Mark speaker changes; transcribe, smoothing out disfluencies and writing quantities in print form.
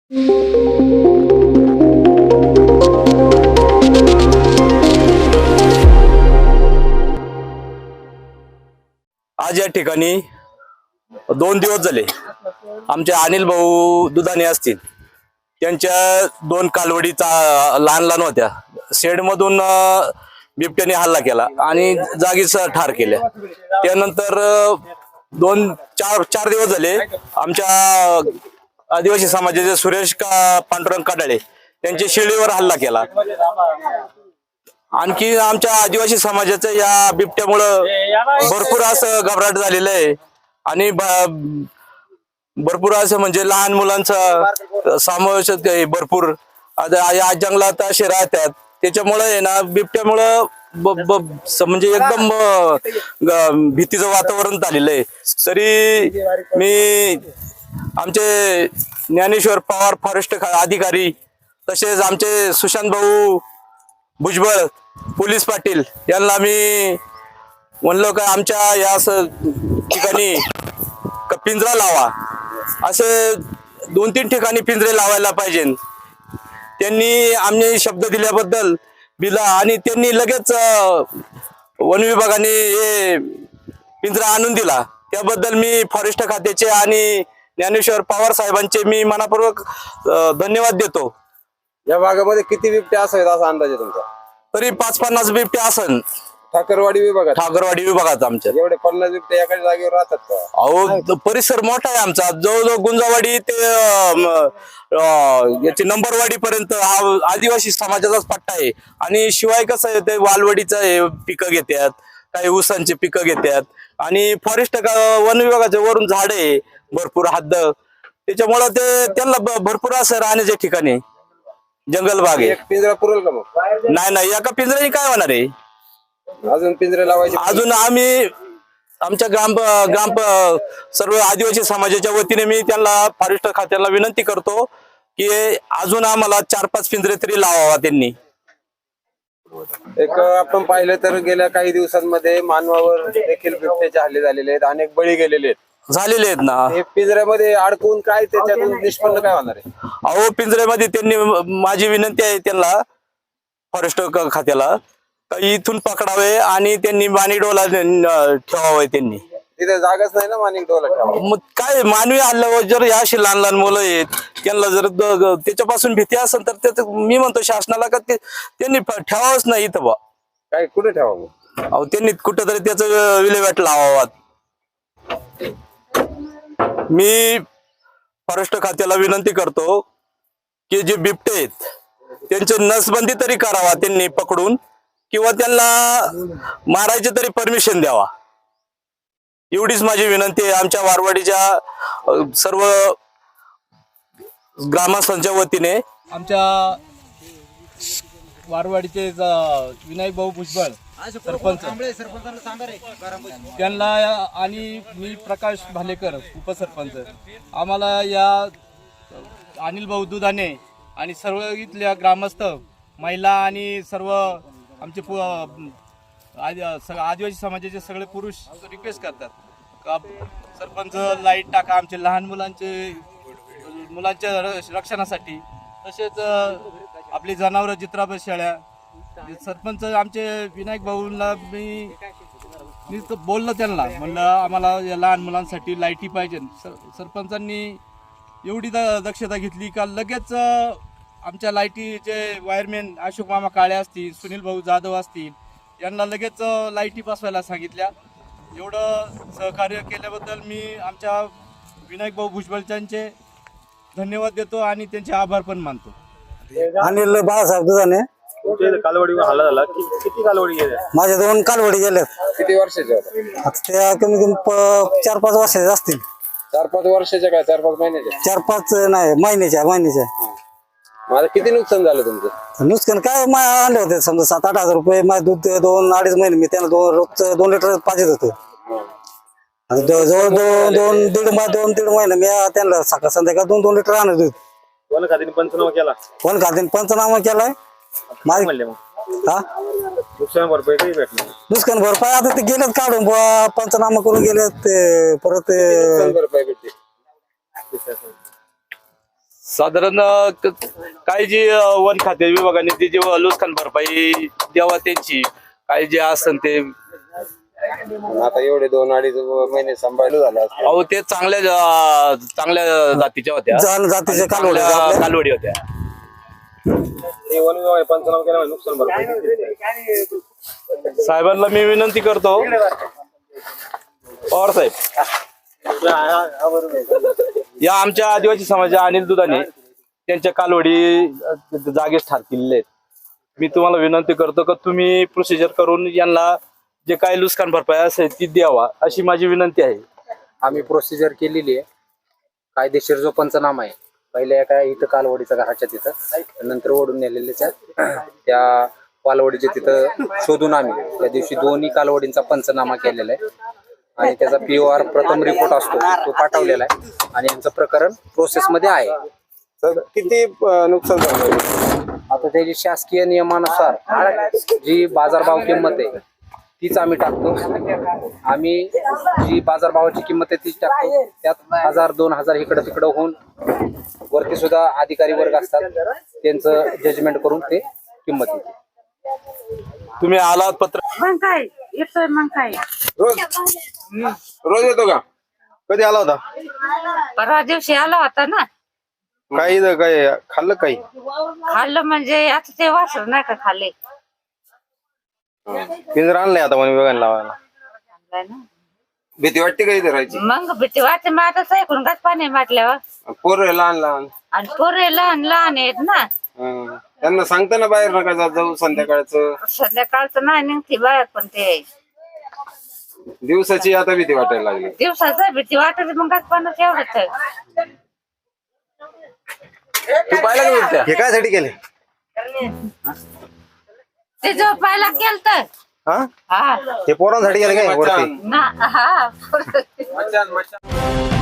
Speaker 1: आज या ठिकाणी 2 दिवस झाले आमचे अनिल भाऊ दुधाने असतील त्यांच्या 2 कालवडीचा लहान लहान होत्या शेडमधून बिबट्याने हल्ला केला आणि जागीच ठार केल्या। त्यानंतर 4 दिवस झाले आमच्या आदिवासी समाजाचे सुरेश पांडुरंग कडाळे त्यांच्या शेळीवर हल्ला केला। आणखी आमच्या आदिवासी समाजाचं या बिबट्यामुळं भरपूर असं घबराट झालेलं आहे आणि भरपूर असं म्हणजे लहान मुलांचा समावेश भरपूर या जंगलात असे राहतात त्याच्यामुळे आहे ना बिबट्यामुळं म्हणजे एकदम भीतीचं वातावरण झालेलं आहे। तरी मी आमचे ज्ञानेश्वर पवार फॉरेस्ट अधिकारी तसेच आमचे सुशांत भाऊ भुजबळ पोलीस पाटील यांना मी म्हणलो का आमच्या या ठिकाणी पिंजरा लावा, असे 2-3 ठिकाणी पिंजरे लावायला पाहिजे। त्यांनी आम्ही शब्द दिल्याबद्दल दिला आणि त्यांनी लगेच वन विभागाने हे पिंजरा आणून दिला, त्याबद्दल मी फॉरेस्ट खात्याचे आणि ज्ञानेश्वर पवार साहेबांचे मी मनापूर्वक धन्यवाद देतो।
Speaker 2: या भागामध्ये किती बिबटे असावेत असा अंदाज आहे तुमचा?
Speaker 1: तरी 5-50 बिबटे असन
Speaker 2: ठाकरवाडी
Speaker 1: विभागात आमच्या।
Speaker 2: एवढे 50 बिबटे एका जागेवर राहतात का?
Speaker 1: अहो परिसर मोठा आहे आमचा, जवळजवळ गुंजावाडी ते याची नंबरवाडी पर्यंत हा आदिवासी समाजाचाच पट्टा आहे। आणि शिवाय कसं आहे ते वालवडीचं पिकं घेतात, काही ऊसांची पिकं घेतात आणि फॉरेस्ट वन विभागाच्या वरून झाडे भरपूर हद्द, त्याच्यामुळं ते त्यांना भरपूर असं राहण्याचे ठिकाणी जंगल भाग आहे।
Speaker 2: एक पिंजरा पुरेल का मग?
Speaker 1: नाही एका पिंजऱ्याने काय होणार आहे?
Speaker 2: अजून पिंजरे लावायचे?
Speaker 1: अजून आम्ही आमच्या ग्राम सर्व आदिवासी समाजाच्या वतीने मी त्यांना फॉरेस्ट खात्याला विनंती करतो की अजून आम्हाला 4-5 पिंजरे तरी लावावा त्यांनी।
Speaker 2: एक आपण पाहिलं तर गेल्या काही दिवसांमध्ये मानवावर देखील बिबट्याचे हल्ले झालेले आहेत, अनेक बळी गेलेले
Speaker 1: आहेत ना।
Speaker 2: हे पिंजऱ्यामध्ये अडकून काय त्याच्यातून निष्पन्न काय होणार आहे?
Speaker 1: अहो पिंजऱ्यामध्ये त्यांनी माझी विनंती आहे त्यांना फॉरेस्ट खात्याला इथून पकडावे आणि त्यांनी माणिकडोला ठेवावे। त्यांनी
Speaker 2: तिथे जागाच नाही ना माणिकडोला ठेवावं।
Speaker 1: मग काय मानवी हल्ल्यावर जर या अशी लहान लहान मुलं आहेत त्यांना जर त्याच्यापासून भीती असेल तर मी म्हणतो शासनाला का त्यांनी ठेवावंच नाही इथं बा।
Speaker 2: काय कुठे ठेवावं?
Speaker 1: अहो त्यांनी कुठंतरी त्याचं विल्हेवाट लावावा। मी फॉरेस्ट खात्याला विनंती करतो की जे बिबटे आहेत त्यांची नसबंदी तरी करावा त्यांनी पकडून, किंवा त्यांना मारायची तरी परमिशन द्यावा, एवढीच माझी विनंती आहे आमच्या वारवाडीच्या सर्व ग्रामस्थांच्या वतीने।
Speaker 3: आमच्या वारवाडीचे विनायक भाऊ भुजबळ सरपंच त्यांना आणि मी प्रकाश भालेकर उपसरपंच आम्हाला या अनिल भाऊ दुधाने आणि सर्व इथल्या ग्रामस्थ महिला आणि सर्व आमचे आदिवासी समाजाचे सगळे पुरुष रिक्वेस्ट करतात का सरपंच लाईट टाका आमचे लहान मुलांच्या रक्षणासाठी, तसेच आपली जनावरं जित्राबाई शेळ्या। सरपंच आमचे विनायक भाऊंना मी बोललो, त्यांना म्हणलं आम्हाला या लहान मुलांसाठी लाईटी पाहिजे। सरपंचांनी एवढी दक्षता घेतली का लगेच आमच्या लाईटीचे वायरमॅन अशोक मामा काळे असतील, सुनील भाऊ जाधव असतील, यांना लगेच लाईटी बसवायला सांगितल्या। एवढं सहकार्य केल्याबद्दल मी आमच्या विनायक भाऊ भुजबळांचे धन्यवाद देतो आणि त्यांचे आभार पण मानतो।
Speaker 4: अनिल बाळासाहेब दुधाने
Speaker 2: कालवडीवर हल्ला झाला, किती कालवडी गेल्या?
Speaker 4: माझ्या 2 कालवडी गेल्यात।
Speaker 2: किती वर्षाच्या होत्या?
Speaker 4: आता त्या कमी कमी 4-5 वर्षाचे असतील।
Speaker 2: 4-5 वर्षाच्या काय 4-5 महिन्याच्या?
Speaker 4: 4-5 नाही महिन्याच्या।
Speaker 2: माझं किती नुकसान झालं तुमचं?
Speaker 4: नुकसान काय आणले होते समजा 7-8 हजार रुपये। माझे दूध 2-2.5 महिने मी त्यांना रोजचं 2 लिटर पाहिजे होतं। जवळ 2-2.5 महिने मी त्यांना सकाळ संध्याकाळ 2-2 लिटर आणत दूध।
Speaker 2: वन खात्याने पंचनामा केला?
Speaker 4: वन खात्याने पंचनामा केलाय।
Speaker 2: म्हणले मग नुकसान भरपाई काही भेटणार?
Speaker 4: नुकसान भरपाई आता ते गेलेत काढून पंचनामा करून गेलेत ते परत
Speaker 2: नुकसान भरपाई भेटते?
Speaker 1: साधारण काही जी वन खाते विभागाने ती जेव्हा नुकसान भरपाई द्यावा त्यांची काही जे असन ते
Speaker 2: आता एवढे 2-2.5 महिने सांभाळलं झालं असतं.
Speaker 1: अहो ते चांगल्या चांगल्या जातीच्या होत्या
Speaker 4: जातीचे कालवडे
Speaker 1: चांगल्या कालवडी होत्या.
Speaker 2: वन विभाग पंचनामा केला नुकसान भरपाई
Speaker 1: साहेबांना मी विनंती करतो पवार साहेब या आमच्या आदिवासी समाजाच्या अनिल दुधाने त्यांच्या कालवडी जागेस ठार केलेले आहेत. मी तुम्हाला विनंती करतो की तुम्ही प्रोसिजर करून यांना जे काही नुकसान भरपाई असेल ती द्यावा अशी माझी विनंती आहे.
Speaker 5: आम्ही प्रोसिजर केलेली आहे. कायदेशीर जो पंचनामा आहे पहिल्या एका इथं कालवडीचा घराच्या तिथं नंतर ओढून नेलेल्याच्या त्या कालवडीचे तिथं शोधून आम्ही त्या दिवशी दोन्ही कालवडींचा पंचनामा केलेला आहे आणि त्याचा POR प्रथम रिपोर्ट असतो तो पाठवलेला आहे आणि यांचं प्रकरण प्रोसेसमध्ये आहे.
Speaker 2: तर किती नुकसान झालं?
Speaker 5: आता त्याची शासकीय नियमानुसार जी बाजारभाव किंमत आहे तीच आम्ही टाकतो. आम्ही जी बाजारभावाची किंमत आहे तीच टाकतो. त्यात 1000-2000 इकडं तिकडं होऊन वरती सुद्धा अधिकारी वर्ग असतात त्यांचं जजमेंट करून ते किंमत येते.
Speaker 1: तुम्ही आलात पत्र
Speaker 6: मग काय येतोय मग काय
Speaker 2: रोज येतो का? कधी आला होता?
Speaker 6: परवा दिवशी आला होता ना.
Speaker 2: काही काय खाल्लं काही?
Speaker 6: खाल्लं म्हणजे आता ते वासर नाही का खाल्ले
Speaker 2: पिंजरा आणलाय आता वन विभागाने लावायला.
Speaker 6: आणलाय ना.
Speaker 2: भीती वाटते का इथे राहायची?
Speaker 6: मग भीती वाटते मग आता ऐकून गाच पाणी माटल्यावर
Speaker 2: पोरं लहान लहान
Speaker 6: आणि पोरे लहान लहान आहेत ना.
Speaker 2: त्यांना सांगता ना बाहेर नका जात जाऊ संध्याकाळचं.
Speaker 6: संध्याकाळचं नाही निघते बाहेर पण ते
Speaker 2: दिवसाची आता भीती वाटायला लागली.
Speaker 6: दिवसाचं भीती वाटते मग गाच पाण्यात एवढंच
Speaker 1: तू पाहिलं का बिबट्या?
Speaker 2: हे काय साठी केले?
Speaker 6: ते जो पाहायला केलं तर
Speaker 2: हा
Speaker 6: हा
Speaker 2: हे पोरांसाठी केलं काय वरती?
Speaker 6: ना हा
Speaker 2: मचान